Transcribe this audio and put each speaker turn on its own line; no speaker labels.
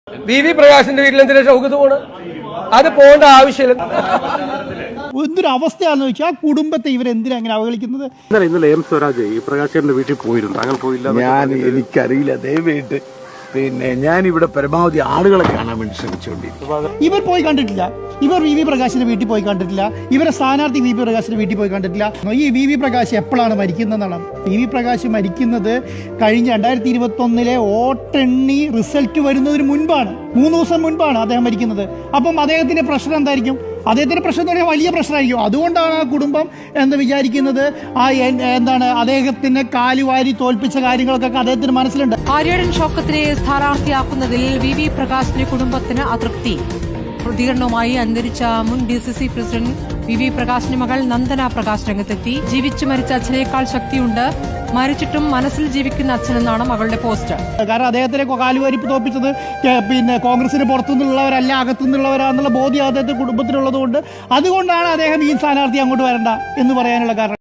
V പ്രകാശിന്റെ വീട്ടിൽ എന്തിനാ ഷൗക്കത്ത് പോണ്? അത് പോകേണ്ട ആവശ്യമില്ല.
എന്തൊരു അവസ്ഥയാണെന്ന് വെച്ചാൽ ആ കുടുംബത്തെ ഇവരെന്തിനാ അങ്ങനെ അവഹേളിക്കുന്നത്?
ഇന്നലെ എം സ്വരാജ് ഈ പ്രകാശന്റെ വീട്ടിൽ പോയിരുന്നു, അങ്ങനെ പോയില്ല.
എനിക്കറിയില്ല ദയവേട്ട്. പിന്നെ ഞാൻ ഇവിടെ പരമാവധി ആളുകളെ കാണാൻ വേണ്ടി ശ്രമിച്ചുകൊണ്ടിരിക്കും.
ഇവർ പോയി കണ്ടിട്ടില്ല. ഇവർ വി പ്രകാശിന്റെ വീട്ടിൽ പോയി കണ്ടിട്ടില്ല. ഇവരെ സ്ഥാനാർത്ഥി വി പ്രകാശിന്റെ വീട്ടിൽ പോയി കണ്ടിട്ടില്ല. ഈ വി പ്രകാശ് എപ്പോഴാണ് മരിക്കുന്നതെന്നാണ്. വി പ്രകാശ് മരിക്കുന്നത് കഴിഞ്ഞ 2021 വോട്ടെണ്ണി റിസൾട്ട് വരുന്നതിന് മുൻപാണ്. 3 ദിവസം മുൻപാണ് അദ്ദേഹം മരിക്കുന്നത്. അപ്പം അദ്ദേഹത്തിന്റെ പ്രഷർ എന്തായിരിക്കും? അദ്ദേഹത്തിന്റെ പ്രശ്നം എന്ന് പറഞ്ഞാൽ വലിയ പ്രശ്നമായിരിക്കും. അതുകൊണ്ടാണ് ആ കുടുംബം എന്ന് വിചാരിക്കുന്നത്. എന്താണ് അദ്ദേഹത്തിന് കാലുവാരി തോൽപ്പിച്ച കാര്യങ്ങളൊക്കെ അദ്ദേഹത്തിന് മനസ്സിലുണ്ട്.
ആര്യടൻ ഷൗക്കത്തിനെ സ്ഥാനാർത്ഥിയാക്കുന്നതിൽ വി പ്രകാശിന്റെ കുടുംബത്തിന് അതൃപ്തി. പ്രതികരണവുമായി അന്തരിച്ച മുൻ DCC പ്രസിഡന്റ് വി പ്രകാശിന്റെ മകൾ നന്ദന പ്രകാശ് രംഗത്തെത്തി. ജീവിച്ചു മരിച്ച അച്ഛനേക്കാൾ ശക്തിയുണ്ട്, മരിച്ചിട്ടും മനസ്സിൽ ജീവിക്കുന്ന അച്ഛനെന്നാണ് മകളുടെ പോസ്റ്റ്.
കാരണം അദ്ദേഹത്തിനെ കാലുവാരി തോൽപ്പിച്ചത് പിന്നെ കോൺഗ്രസിന് പുറത്തുനിന്നുള്ളവരല്ല, അകത്തുനിന്നുള്ളവരാന്നുള്ള ബോധ്യം അദ്ദേഹത്തെ കുടുംബത്തിനുള്ളത് കൊണ്ട് അതുകൊണ്ടാണ് അദ്ദേഹം ഈ സ്ഥാനാർത്ഥി അങ്ങോട്ട് വരണ്ട എന്ന് പറയാനുള്ള കാരണം.